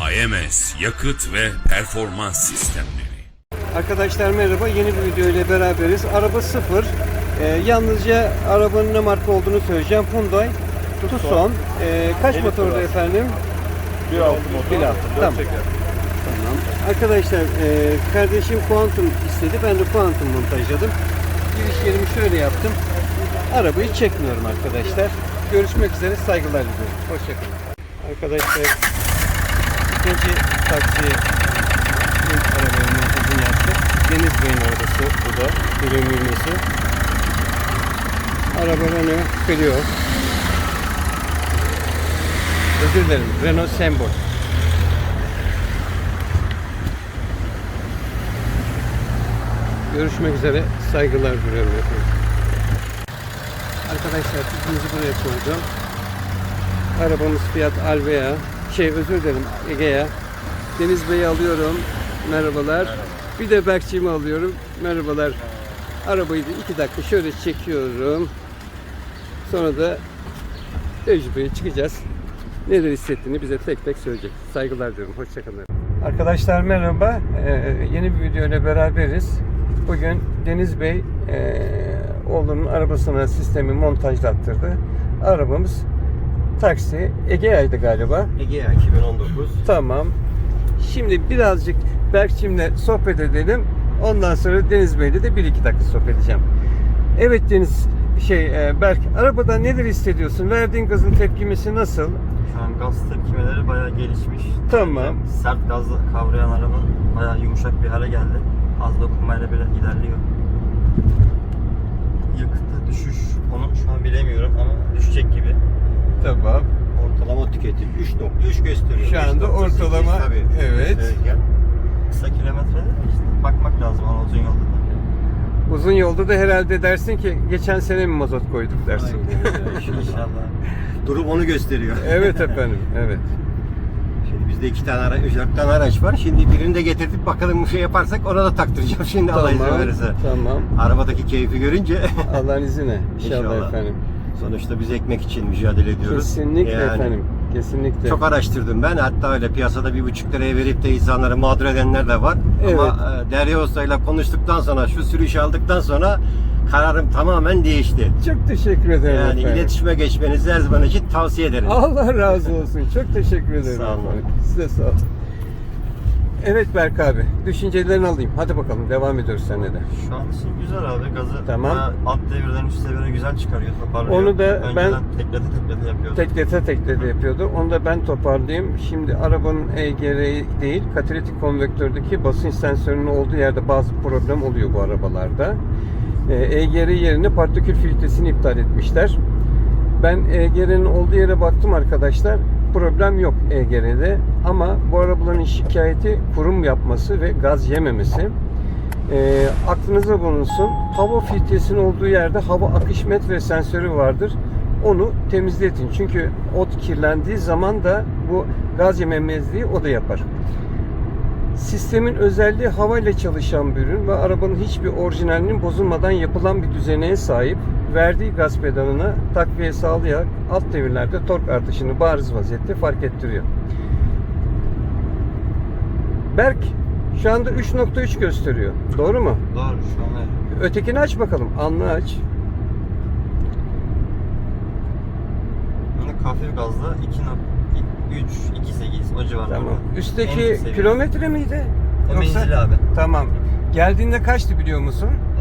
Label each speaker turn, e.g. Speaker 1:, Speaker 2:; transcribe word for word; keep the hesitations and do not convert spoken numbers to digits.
Speaker 1: A M S yakıt ve performans sistemleri.
Speaker 2: Arkadaşlar merhaba, yeni bir video ile beraberiz. Araba sıfır. Ee, yalnızca arabanın ne marka olduğunu söyleyeceğim. Hyundai Tucson. Ee, kaç motorlu efendim?
Speaker 3: bir altı motor.
Speaker 2: bir altı. Tamam. Tamam. Arkadaşlar e, kardeşim Quantum istedi. Ben de Quantum montajladım. Giriş yerimi şöyle yaptım. Arabayı çekmiyorum arkadaşlar. Görüşmek üzere, saygılar diliyorum. Hoşçakalın. Arkadaşlar ikinci taksi arabayı montajını yaptık. Deniz Bey'in arabası bu da. Ürünlüğüsü. Araba Renault Clio. Özür dilerim. Renault Sembol. Görüşmek üzere. Saygılar diliyorum efendim. Arkadaşlar tüpümüzü buraya koydum. Arabamız Fiat Alvea. Şey özür dilerim Egea. Deniz Bey'i alıyorum. Merhabalar. Merhaba. Bir de Berkçiğimi alıyorum. Merhabalar. Arabayı da iki dakika şöyle çekiyorum. Sonra da tecrübeye çıkacağız. Neler hissettiğini bize tek tek söyleyecek. Saygılar diyorum. Hoşçakalın. Arkadaşlar merhaba. Ee, yeni bir video ile beraberiz. Bugün Deniz Bey e, oğlunun arabasına sistemi montajlattırdı. Arabamız taksi Egea'ydı galiba.
Speaker 3: Egea iki bin on dokuz.
Speaker 2: Tamam. Şimdi birazcık Berkçim'le sohbet edelim. Ondan sonra Deniz Bey'le de bir iki dakika sohbet edeceğim. Evet Deniz, şey Berk, arabada neler hissediyorsun? Verdiğin gazın tepkimesi nasıl?
Speaker 3: Şu an gaz tepkimeleri bayağı gelişmiş.
Speaker 2: Tamam.
Speaker 3: Yani sert gazla kavrayan araba bayağı yumuşak bir hale geldi. Az dokunmayla bile ilerliyor. Yakıtta düşüş, onu şu an bilemiyorum ama düşecek gibi.
Speaker 2: Tamam.
Speaker 4: Ortalama tüketim üç nokta üç gösteriyor.
Speaker 2: Şu anda
Speaker 4: üç nokta sekiz
Speaker 2: ortalama,
Speaker 4: tabii.
Speaker 2: evet.
Speaker 4: Söyleyeceğim.
Speaker 3: Kısa kilometrede işte bakmak lazım ama uzun yolda da.
Speaker 2: Uzun yolda da herhalde dersin ki geçen sene mi mazot koyduk dersin.
Speaker 3: İnşallah.
Speaker 4: Durum onu gösteriyor.
Speaker 2: Evet efendim, evet.
Speaker 4: Şimdi bizde iki tane araç, dört tane araç var. Şimdi birini de getirdik bakalım bir şey yaparsak ona da taktıracağım şimdi Allah izin
Speaker 2: Tamam,
Speaker 4: verirse.
Speaker 2: tamam.
Speaker 4: Arabadaki keyfi görünce
Speaker 2: Allah'ın izniyle. İnşallah,
Speaker 4: İnşallah.
Speaker 2: efendim.
Speaker 4: sonuçta biz ekmek için mücadele ediyoruz.
Speaker 2: Kesinlikle
Speaker 4: Yani
Speaker 2: efendim. Kesinlikle.
Speaker 4: Çok araştırdım ben. Hatta öyle piyasada bir buçuk liraya verip de insanları mağdur edenler de var.
Speaker 2: Evet.
Speaker 4: Ama e, Derya Usta'yla konuştuktan sonra, şu sürüşü aldıktan sonra kararım tamamen değişti.
Speaker 2: Çok teşekkür ederim
Speaker 4: Yani
Speaker 2: efendim.
Speaker 4: iletişime geçmenizi her zaman için tavsiye ederim.
Speaker 2: Allah razı olsun. Çok teşekkür ederim.
Speaker 4: Sağ olun.
Speaker 2: efendim. Size sağ olun. Evet Berk abi, düşüncelerini alayım. Hadi bakalım, devam ediyoruz seninle de.
Speaker 3: Şu an için güzel abi, gazı
Speaker 2: Tamam.
Speaker 3: bayağı alt devirden üst devire güzel çıkarıyor, toparlıyor.
Speaker 2: Onu da
Speaker 3: Önceden
Speaker 2: ben-
Speaker 3: teklete teklete yapıyordu.
Speaker 2: Teklete teklete yapıyordu. Onu da ben toparlayayım. Şimdi arabanın E G R değil, katalitik konvektördeki basınç sensörünün olduğu yerde bazı problem oluyor bu arabalarda. E G R yerine partikül filtresini iptal etmişler. Ben E G R'nin olduğu yere baktım arkadaşlar. Problem yok E G R'de. Ama bu arabaların şikayeti kurum yapması ve gaz yememesi. E, aklınıza bulunsun. Hava filtresinin olduğu yerde hava akış metre sensörü vardır. Onu temizletin. Çünkü ot kirlendiği zaman da bu gaz yememezliği o da yapar. Sistemin özelliği havayla çalışan bir ürün ve arabanın hiçbir orijinalinin bozulmadan yapılan bir düzeneye sahip. Verdiği gaz pedalına takviye sağlayarak alt devirlerde tork artışını bariz vaziyette fark ettiriyor. Berk, şu anda üç nokta üç gösteriyor. Doğru mu?
Speaker 3: Doğru, şu an evet.
Speaker 2: Ötekini aç bakalım. Anlı aç.
Speaker 3: Bunu hafif gazla iki nokta üç iki sekiz o civarında.
Speaker 2: Tamam.
Speaker 3: En
Speaker 2: Üstteki
Speaker 3: seviye.
Speaker 2: kilometre miydi?
Speaker 3: O menzili abi.
Speaker 2: Tamam. Geldiğinde kaçtı biliyor musun?